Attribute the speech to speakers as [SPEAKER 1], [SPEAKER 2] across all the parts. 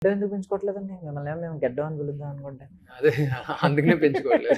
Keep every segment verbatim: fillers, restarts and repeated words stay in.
[SPEAKER 1] గడ్డం ఎందుకు పెంచుకోవట్లేదండి మిమ్మల్ని మేము గడ్డం అని పిలుద్దాం అనుకుంటే
[SPEAKER 2] అదే అందుకనే పెంచుకోవట్లేదు.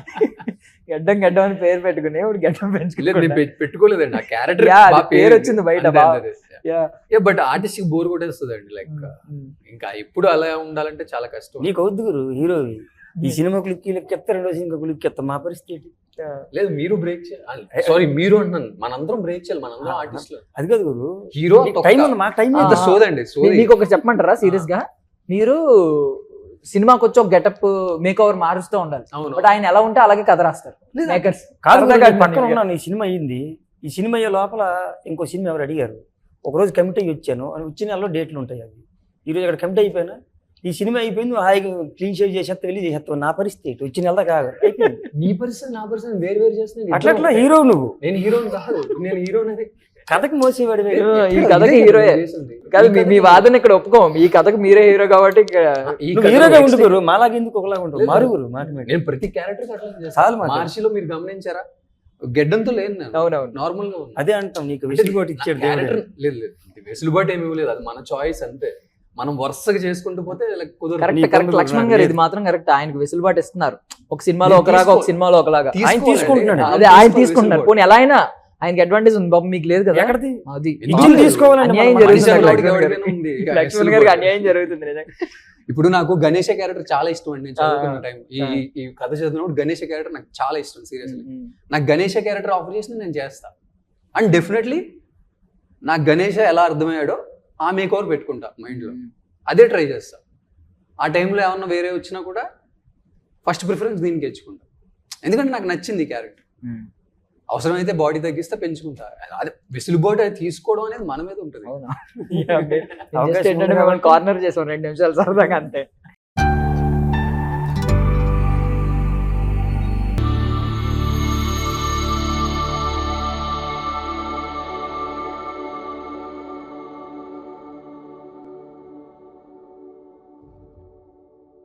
[SPEAKER 1] గడ్డం గడ్డం అని పేరు పెట్టుకుని ఇప్పుడు గడ్డం
[SPEAKER 2] లేదు నేను
[SPEAKER 1] పెంచుకోలేదు
[SPEAKER 2] పె- పెట్టుకోలేదు ఆ క్యారెక్టర్
[SPEAKER 1] Yeah, అది పేరు వచ్చింది బయట బాగా.
[SPEAKER 2] బట్ ఆర్టిస్ట్ బోర్ కొట్టేస్తుంది అండి లైక్ ఇంకా ఎప్పుడు అలా ఉండాలంటే చాలా కష్టం.
[SPEAKER 3] నీకు అవుద్దు గురు హీరో ఈ సినిమా క్లిక్ క్లిక్ చెప్తా రెండో సినిమా క్లిక్ చెప్తా మా పరిస్థితి
[SPEAKER 2] లేదు మీరు బ్రేక్ చేయాలి, సారీ మీరు అంటున్నాను మనందరం బ్రేక్ చేయాలి, మనందరం ఆర్టిస్టులు.
[SPEAKER 3] అది కాదు గురు
[SPEAKER 2] హీరో
[SPEAKER 3] టైం ఉంది మాకు టైం
[SPEAKER 2] అంత సోదండి సోది.
[SPEAKER 1] మీకు ఒకటి చెప్పమంటారా సీరియస్ గా, మీరు సినిమాకి వచ్చి ఒక గెటప్ మేక్ ఓవర్ మారుస్తూ ఉండాలి,
[SPEAKER 2] అవును
[SPEAKER 1] బట్ ఆయన ఎలా ఉంటే అలాగే కథ రాస్తారు మేకర్స్.
[SPEAKER 3] కాదు గురు,
[SPEAKER 1] సరదాగా
[SPEAKER 3] నేను పక్కన
[SPEAKER 1] అడిగాను.
[SPEAKER 3] ఉన్నాను ఈ సినిమా అయ్యింది. ఈ సినిమా అయ్యే లోపల ఇంకో సినిమా ఎవరు అడిగారు, ఒకరోజు కమిట్ అయ్యి వచ్చాను అని వచ్చిన నెలలో డేట్లు ఉంటాయి అవి. ఈరోజు అక్కడ కమిట్ అయిపోయినా ఈ సినిమా అయిపోయింది హాయిగా క్లీన్ షేవ్ చేసేస్తా వెళ్ళి చేసేస్తావు. నా పరిస్థితి వచ్చిన నెల కాదు అయిపోయింది.
[SPEAKER 2] నీ పర్సన్ నా పర్సన్ వేరు వేరు చేస్తున్నాను.
[SPEAKER 3] అట్లా అట్లా హీరో నువ్వు,
[SPEAKER 2] నేను హీరోని కాదు, నేను హీరోని
[SPEAKER 3] కథకి మోసేవాడి
[SPEAKER 1] ఈ కథకి హీరోయే కాదు, మీ- మీ వాదన ఇక్కడ ఒప్పుకోం, ఈ కథకు మీరే హీరో కాబట్టి ఇక్కడ
[SPEAKER 3] హీరోగా ఉండుకోరు మాలాగా ఎందుకు ఒకలాగా ఉంటావు మారుగురు మాట మీద.
[SPEAKER 2] నేను ప్రతి క్యారెక్టర్ అట్లా
[SPEAKER 3] చాలు
[SPEAKER 2] చేస్తాను.
[SPEAKER 3] మాట.
[SPEAKER 2] మార్చిలో మీరు గమనించారా గెడ్డంతో లేదు నేను
[SPEAKER 1] అవునవును
[SPEAKER 2] నార్మల్ గా ఉన్నా.
[SPEAKER 3] అదే అంటాం నీకు వెసులుబాటు ఇచ్చాడు దేవుడు.
[SPEAKER 2] క్యారెక్టర్ లేదు లేదు వెసులుబాటు ఏమి ఇవ్వలేదు, అది మన చాయిస్ అంతే. మనం వరుసగా చేసుకుంటూ పోతే like కుదరదు.
[SPEAKER 1] కరెక్ట్
[SPEAKER 3] నీ
[SPEAKER 1] కరెక్ట్
[SPEAKER 3] ఇబ్బందులు
[SPEAKER 1] లక్ష్మణ్ గారు ఇది
[SPEAKER 3] లేదు.
[SPEAKER 1] మాత్రం కరెక్ట్, ఆయనకు వెసులుబాటు ఇస్తున్నారు. ఒక సినిమాలో
[SPEAKER 2] నేను
[SPEAKER 1] ఒకలాగా ఒక
[SPEAKER 2] తీసుకో-
[SPEAKER 1] సినిమాలో ఒకలాగా
[SPEAKER 3] ఆయన
[SPEAKER 2] తీసుకోవాలండి.
[SPEAKER 3] తీసుకుంటున్నాడు.
[SPEAKER 2] ఆ,
[SPEAKER 1] అదే ఆయన
[SPEAKER 2] తీసుకోవాలి
[SPEAKER 1] తీసుకుంటున్నారు.
[SPEAKER 2] వెసులుబాటు.
[SPEAKER 1] పోనీ ఎలా అయినా ఆయనకి అడ్వాంటేజ్ ఉంది బాబు, మీకు లేదు కదా.
[SPEAKER 3] ఎక్కడిది
[SPEAKER 1] అది
[SPEAKER 2] ఎందుకు
[SPEAKER 3] ఇచ్చింది
[SPEAKER 2] లేదు?
[SPEAKER 3] తీసుకోవాలండి
[SPEAKER 1] అన్యాయం
[SPEAKER 3] మనం.
[SPEAKER 1] జరుగుతుంది
[SPEAKER 2] మనిషి
[SPEAKER 1] లక్ష్మణ్
[SPEAKER 2] ఎవరికి
[SPEAKER 1] గారికి.
[SPEAKER 2] ఉంది?
[SPEAKER 1] లక్ష్మణ్ గారికి అన్యాయం జరుగుతుంది నిజంగా.
[SPEAKER 2] ఇప్పుడు నాకు గణేష క్యారెక్టర్ చాలా ఇష్టం అండి. నేను చదువుకున్న
[SPEAKER 1] ఆ,
[SPEAKER 2] టైం ఈ
[SPEAKER 1] ఆ.
[SPEAKER 2] ఈ కథ చదివినప్పుడు గణేష క్యారెక్టర్ నాకు చాలా ఇష్టం సీరియస్లీ. నాకు గణేష క్యారెక్టర్ ఆఫర్ చేసిన నేను చేస్తా అండ్ డెఫినెట్లీ నాకు గణేష ఎలా అర్థమయ్యాడో ఆ మేక్ ఓవర్ పెట్టుకుంటా మైండ్లో, అదే ట్రై చేస్తా. ఆ టైంలో ఏమన్నా వేరే వచ్చినా కూడా ఫస్ట్ ప్రిఫరెన్స్ దీనికి ఇచ్చుకుంటా, ఎందుకంటే నాకు నచ్చింది ఈ క్యారెక్టర్. అవసరమైతే బాడీ తగ్గిస్తే పెంచుకుంటా, అదే వెసులుబాటు అది తీసుకోవడం అనేది మన మీద ఉంటుంది.
[SPEAKER 1] అవునా
[SPEAKER 3] అవకాశం
[SPEAKER 1] ఏంటంటే మిమ్మల్ని కార్నర్ చేసాం రెండు నిమిషాలు సరదాగా అంతే.